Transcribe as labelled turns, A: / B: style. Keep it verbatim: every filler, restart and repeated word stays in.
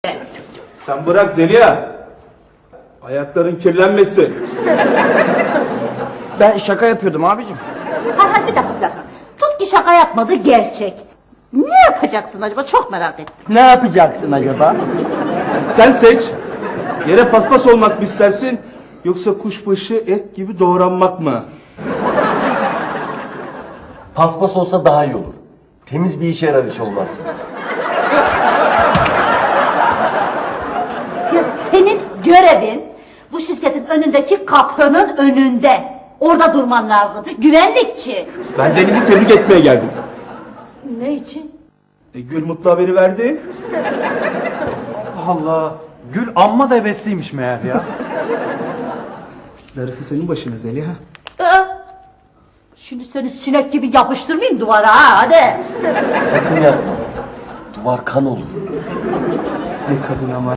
A: Sen bırak Zeliha. Ayakların kirlenmesin.
B: Ben şaka yapıyordum abicim.
C: Ha, ha, bir dakika bir dakika. Tut ki şaka yapmadı gerçek. Ne yapacaksın acaba, çok merak ettim.
B: Ne yapacaksın acaba?
A: Sen seç. Yere paspas olmak mı istersin? Yoksa kuşbaşı et gibi doğranmak mı?
D: Paspas olsa daha iyi olur. Temiz bir işe yarar hiç olmazsa.
C: Ya senin görevin bu şirketin önündeki kapının önünde. Orada durman lazım. Güvenlikçi.
A: Ben Deniz'i tebrik etmeye geldim.
C: Ne için?
A: E, Gül mutlu haberi verdi.
E: Allah, Gül amma da hevesliymiş meğer ya.
A: Darısı senin başına Zeliha.
C: Ee, şimdi seni sinek gibi yapıştırmayayım duvara ha, hadi.
D: Sakın yapma. Duvar kan olur.
A: Ne kadın ama.